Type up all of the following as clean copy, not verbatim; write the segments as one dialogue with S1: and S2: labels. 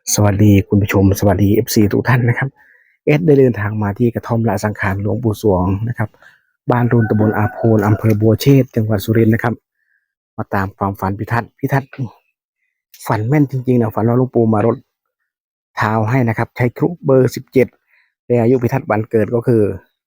S1: สวัสดีคุณผู้ชมสวัสดี FC ทุกท่านนะครับได้เดินทางมาที่กระท่อมละสังขารหลวงปู่สวงนะครับบ้านรุนตำบลอาโพนอำเภอบัวเชษจังหวัดสุรินทร์นะครับมาตามความฝันพิทัศน์ฝันแม่นจริงๆนะฝันว่าหลวงปู่มารดเท้าให้นะครับใช้ครุเบอร์17และอายุพิทัศน์วันเกิดก็คือ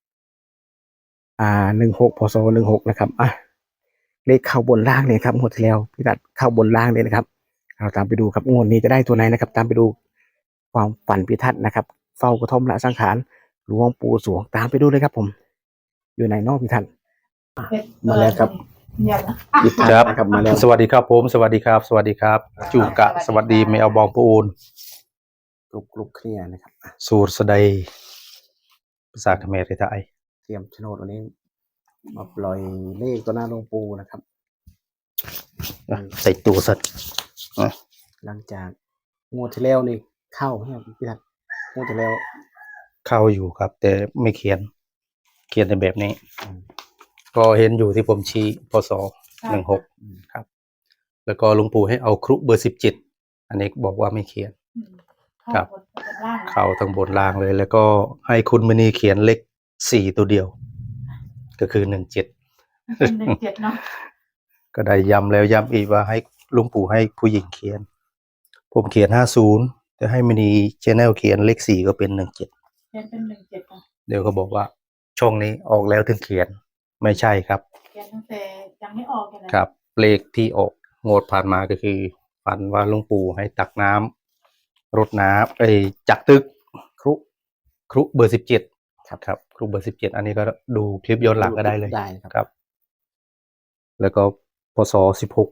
S1: 16พศ16นะครับเลขเข้าบนล่างเลยครับงวดที่แล้วพิทัศน์เข้าบนล่างเลยนะครับเราตามไปดูครับงวดนี้จะได้ตัวไหนนะครับตามไปดูความฝันพิทัศน์นะครับเฝ้ากระท่อมละสังขารหลวงปู่สวงตามไปดูเลยครับผมอยู่ในนอกพิทัศน์มาแล้วครับพิทัศน์นะครับมาแล้ว
S2: สวัสดีครับผมสวัสดีครับสวัสดีครับจูกะสวัสดีไม่เอาบองปูน
S1: กลุกเคลียร์นะครับ
S2: สูตรสดายภาษาเขมรไทย
S1: เตรียมโฉนดวันนี้มาปล่อยเลขตัวหน้าหลวงปู่นะครับ
S2: ใส่ตัวสัตว์
S1: หลังจากงวดที่แล้วนี่เข้าเนี่ยพิทัศน์งวดที่แล้ว
S2: เข้าอยู่ครับ แต่ไม่เขียนในแบบนี้ก็เห็นอยู่ที่ผมชี้พศ16ครับแล้วก็หลวงปู่ให้เอาครุเบอร์17อันนี้บอกว่าไม่เขียนครับเข้าทั้งบนล่างเลย แล้วก็ให้คุณมณีเขียนเลข4ตัวเดียวก็คือ17
S3: เนาะ
S2: ก็ได้ย้ำแล้วย้ำอีกว่าให้หลวงปู่ให้ผู้หญิงเขียนผมเขียน50แต่ให้มณีชแนลเขียนเลข4ก็เป็น17
S3: เขียนเป็น17
S2: เดี๋ยวเขาบอกว่าช่องนี้ออกแล้วถึงเขียนไม่ใช่ครับ
S3: เขียนตั้งแต่ยังไม่ออกเลย
S2: ครับเลขที่ออกงวดผ่านมาก็คือฝันว่าหลวงปู่ให้ตักน้ำรดน้ำจากตึกครุเบอร์17ครับครุเบอร์17อันนี้ก็ดูคลิปย้อนหลังก็ได้เลยครับแล้วก็พศ16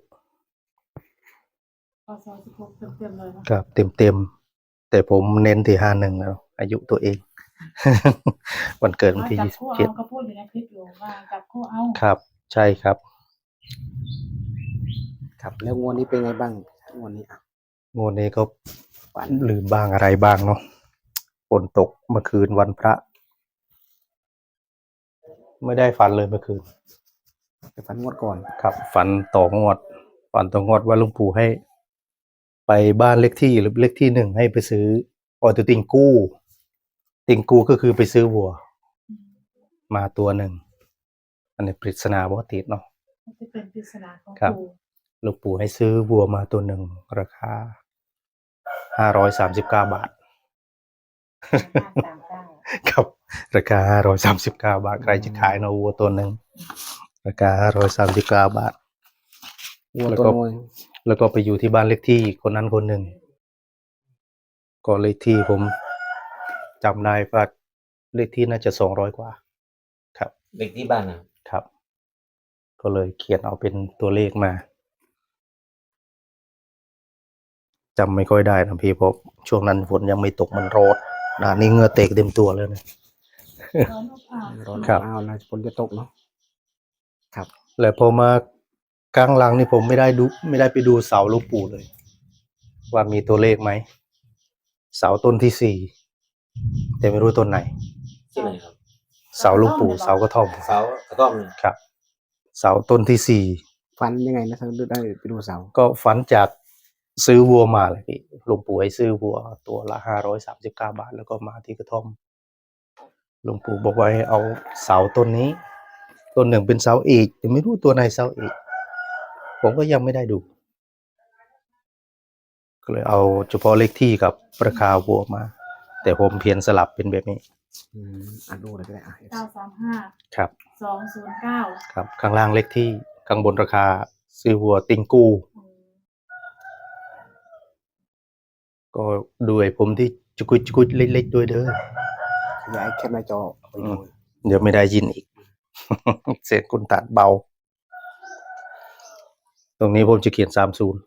S3: พศ16เต็มเลย
S2: ครับเต็มแต่ผมเน้นที่51แล้วอายุตัวเองวันเกิดวันที่
S3: 27ก็พูดอยู่ในคลิปอยู่ว่าจับคู่เอา
S2: ครับใช่ครับ
S1: ครับแล้วงวดนี้เป็นไงบ้างงวด
S2: นี้ก็ลืมบ้างอะไรบ้างเนาะฝนตกเมื่อคืนวันพระไม่ได้ฝันเลยเมื่อคืน
S1: แต่ฝันงวดก่อน
S2: ครับฝันต่องวดว่าหลวงปู่ให้ไปบ้านเลขที่หรือเลขที่1ให้ไปซื้อตัวติงกู้ก็คือไปซื้อวัวมาตัวหนึ่งอันนี้ปริศนาบ่ติดเนาะ
S3: จะเป็นปริศนาของ
S2: ปู่หลวงปู่ให้ซื้อวัวมาตัวหนึ่งราคา539 บาทครับราคา539 บาทใครจะขายเนาะวัวตัวหนึ่งราคา539 บาทแล้วก็ไปอยู่ที่บ้านเลขที่คนนั้นคนหนึ่งก็เลขที่ผมจำได้ว่าเลขที่น่าจะ200 กว่าครับ
S1: เลขที่บ้าน
S2: นะครับก็เลยเขียนเอาเป็นตัวเลขมาจำไม่ค่อยได้นะพี่เพราะช่วงนั้นฝนยังไม่ตกมันร้อนนี่เหงื่อเตกเต็มตัวเลยนะ
S1: ร้อนครับนะฝนจะตกเนาะครับ
S2: แล้วพอมากลางหลังนี่ผมไม่ได้ไปดูเสาหลวงปู่เลยว่ามีตัวเลขไหมเสาต้นที่4แต่ไม่รู้ต้นไหน
S1: ที่ไหนครับ
S2: เสาหลวงปู่เสากระท่อมครับเสาต้นที่4
S1: ฝันยังไงนะท่านได้ไปดูเสา
S2: ก็ฝันจากซื้อวัวมาเลยพี่หลวงปู่ให้ซื้อวัวตัวละ539 บาทแล้วก็มาที่กระท่อมหลวงปู่บอกว่าให้เอาเสาต้นนี้ต้นหนึ่งเป็นเสาเอกแต่ไม่รู้ตัวไหนเสาเอกผมก็ยังไม่ได้ดูก็เลยเอาเฉพาะเลขที่กับราคาวัวมาแต่ผมเพียนสลับเป็นแบบนี้
S1: ดูเลยก็ได้
S3: 935
S2: ครับ
S3: 209
S2: ครับข้างล่างเลขที่ข้างบนราคาซื้อวัวติงกูก็ด้วยผมที่จุกุยเล็กๆด้วยเด้อ
S1: ย้ายแค่หน้าจอ
S2: เดี๋ยวไม่ได้ยินอีกเสียงคุณตัดเบาตรงนี้ผมจะเขียน30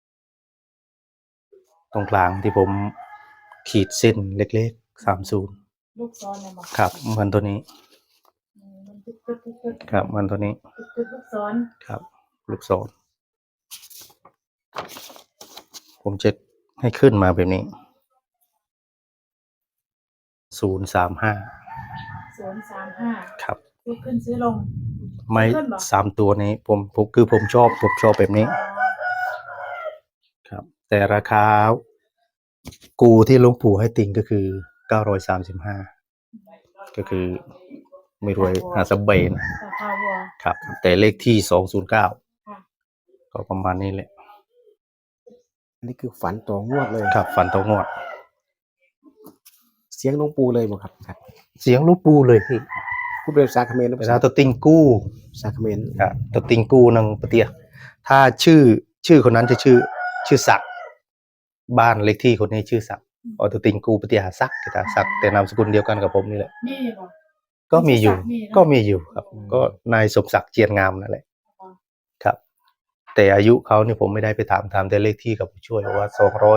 S2: ตรงกลางที่ผมขีดเส้นเล็กๆ30
S3: ลูกศร
S2: ครับเหมือนตัวนี้ครับเหมือนตัวนี้
S3: ลูกศร
S2: ครับลูกศรผมจะให้ขึ้นมาแบบนี้035ครับ
S3: ขึ้นซื้อลง
S2: ไม่3ตัวนี้ผมคือผมชอบแบบนี้ครับแต่ราคากูที่หลวงปู่ให้ติงก็คือ935ก็คือไม่รวยหาสเบน
S3: ราคาวัว
S2: ครับ แต่เลขที่209
S3: ค่ะ
S2: ก็ประมาณนี้แหละ
S1: อันนี้คือฝันต่องวดเลย
S2: ครับฝันตรงวด
S1: เสียงหลวงปู่เลยบ่ครับครับ
S2: เสียงหลวงปู่เลยพี่
S1: พูดเป็นภาษาเขมรหรือ
S2: เว
S1: ภา
S2: ลา
S1: ษา
S2: ตัวติงกู้
S1: ภาษาเขมร
S2: ครับตัวติงกู้นังปะเตีย ถ้าชื่อคนนั้นจะชื่อศักดิ์บ้านเลขที่คนนี้ชื่อศักดิ์ออตัวติงกู้ปะเตียหาศักดิ์kitaศักดิ์แต่นามสกุลเดียวกันกับผมนี่แหละ
S3: นี่บ่
S2: ก็มีอยู่
S3: มีนะ
S2: ก็มีอยู่ครับ ก็นายสมศักดิ์เจียนงามนั่นแหละครับ แต่อายุเขานี่ผมไม่ได้ไปถามแต่เลขที่กับผู้ช่วยบอกว่า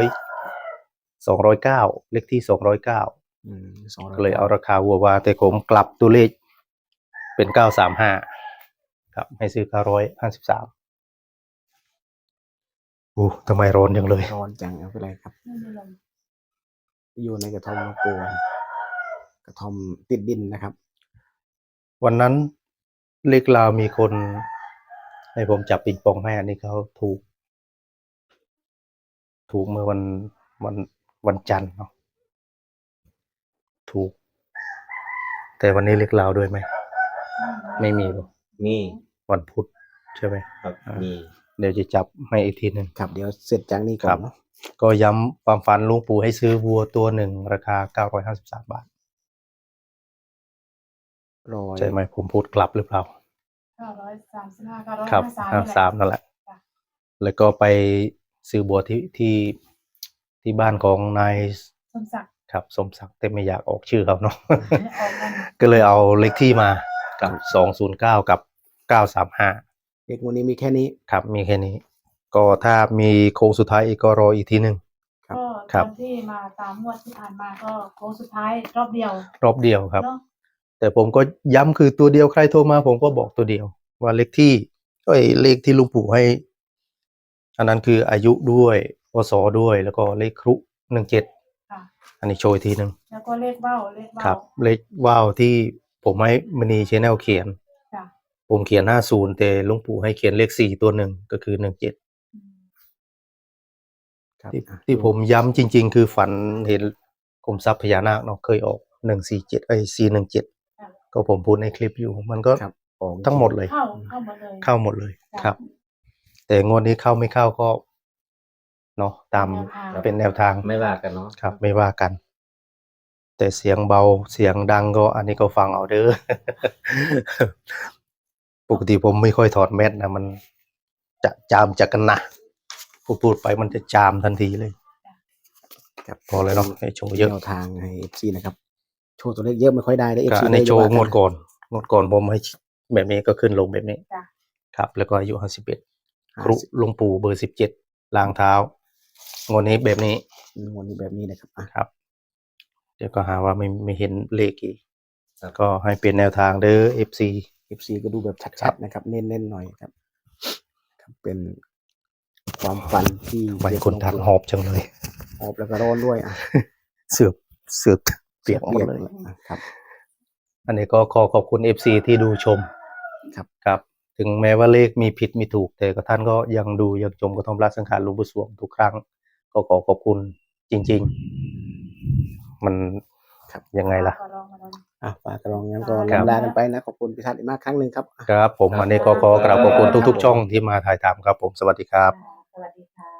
S2: 209เลขที่209
S1: อืม200
S2: ก็เลยเอาราคาวัวว่าแต่ผมกลับตัวเลขเป็น935ครับให้ซื้อ953โอ้ทำไมร้อนจังเลย
S1: ร้อนจังเอาไปเลยครับ
S3: ไม่มีลม
S1: อยู่ในกระท่อมหลวงปู่กระท่อมติดดินนะครับ
S2: วันนั้นเลขลาวมีคนให้ผมจับปิงปองให้อันนี้เขาถูกเมื่อวันจันทร์เนาะถูก แต่วันนี้เลขลาวด้วยไหมไม่มีหรอก
S4: มี
S2: วันพุธใช่ไหม
S4: ครับมี
S2: เดี๋ยวจะจับให้อีกทีหนึ่ง
S1: ครับเดี๋ยวเสร็จจากนี้ก่
S2: ค
S1: อ
S2: รั
S1: น
S2: บ
S1: เนาะ
S2: ก็ย้ำความฝันหลุงปู่ให้ซื้อวัวตัวหนึ่งราคา953 บาท
S1: รอย
S2: ใช่ไหมผมพูดกลับหรือเปล่า
S3: 935
S2: ครับ
S3: 953
S2: 53นั่นแหละ
S3: จ้ะ
S2: แล้วก็ไปซื้อบัวที่บ้านของนาย
S3: สมศักดิ์
S2: ครับสมศักดิ์แต่ไม่อยากออกชื่อเขาเนาะ
S3: ออกกัน
S2: ก็เลยเอาเลขที่มากับ209กับ935
S1: เลขงวดนี้มีแค่นี้
S2: ครับมีแค่นี้ ก็ถ้ามีโค้งสุดท้ายอีกก็รออีกทีหนึ่ง
S1: ครับ
S3: ก็
S2: ครั
S3: ต
S2: บ
S3: อนที่มาตามงวดที่ผ่านมาก็โค้งสุดท้ายรอบเดียว
S2: รอบเดียวครับ
S3: เนาะ
S2: แต่ผมก็ย้ำคือตัวเดียวใครโทรมาผมก็บอกตัวเดียว ว่าเลขที่เลขที่ลุงปู่ให้ อันนั้นคืออายุด้วยพศด้วยแล้วก็เลขครุ17
S3: ค่ะ
S2: อันนี้โชว์อีกทีหนึ่ง
S3: แล้วก็เลขเบ้าเลข
S2: ครั
S3: เบ้า
S2: บ เลขว่าวที่ผมให้มณีชแนลเขียน
S3: จ้ะ
S2: ผมเขียน50แต่ลุงปู่ให้เขียนเลข4ตัวหนึ่งก็คือ17
S3: อืม
S1: ครับ
S2: ที่ผมย้ำจริง ๆ คือฝันเห็นกรมทรัพย์พญานาคเนาะเคยออก417ก็ผมพูดในคลิปอยู่ มันก็
S1: ครับออก
S2: ทั้งหมดเลย
S3: เข้าหมดเลย
S2: เข้าหมดเลย
S3: จ้ะ
S2: ครับ แต่งวดนี้เข้าไม่เข้าก็เนาะตาม
S3: เป็นแนวทาง
S2: เป็นแนวทาง
S4: ไม่ว่ากันเนาะ
S2: ครับ ไม่ว่ากัน แต่เสียงเบาเสียงดังก็อันนี้ก็ฟังเอาเด้อ ปกติผมไม่ค่อยถอดแมสนะมันจะจามจากกันนะพูดไปมันจะจามทันทีเลย
S1: ครับ
S2: พอเลยเนาะให้โชว์เยอะ
S1: แนวทางให้ FC นะครับ โชว์ตัวเลขเยอะไม่ค่อยได้เลย
S2: ก็
S1: FC
S2: อันนี้โชว์
S1: ไม่ได้
S2: งวดก่อนผมให้แบบนี้ก็ขึ้นลงแบบนี้
S3: จ้ะ
S2: ครับ แล้วก็อายุ51
S1: ว่า
S2: ครุหลวงปู่เบอร์17ล้างเท้างวดนี้แบบนี้
S1: งวดนี้แบบนี้นะครับอ่ะ
S2: ครับ เดี๋ยวก็หาว่าไม่เห็นเลขอีกก็ให้เป็นแนวทางเด้อ FC
S1: FC ก็ดูแบบ
S2: ครั
S1: ชัด
S2: บ
S1: ๆนะครับ เน้นๆหน่อยครับครับ เป็นความฝันที่
S2: บางคนทักหอบจังเลย
S1: หอบแล้วก็ร้อนด้วยอ่ะ
S2: เสือกเปียกหมดเลย
S1: อ่ะครับ
S2: อันนี้ก็ขอขอบคุณ FC ที่ดูชม
S1: ครับ
S2: ครับ ถึงแม้ว่าเลขมีผิดมีถูก แต่ก็ท่านก็ยังดูยังชมกระท่อมราชสังขารหลวงปู่สวงทุกครั้ง ก็ขอขอบคุณจริง ๆ มัน
S1: ครับ
S2: ยังไงล่ะ
S3: ก็ลองมาลอง
S1: อ่ะฝากกระรองงั้นก็
S2: ครับ
S1: ลำลากันไปนะ ขอบคุณพิทัศน์อีกมากครั้งหนึ่งครับ
S2: ครับผมอันนี้ก็ขอกราบขอบคุณทุกๆ ช่องที่มาถ่ายทำครับผมสวัสดีครับ
S3: สวัสดีค่ะ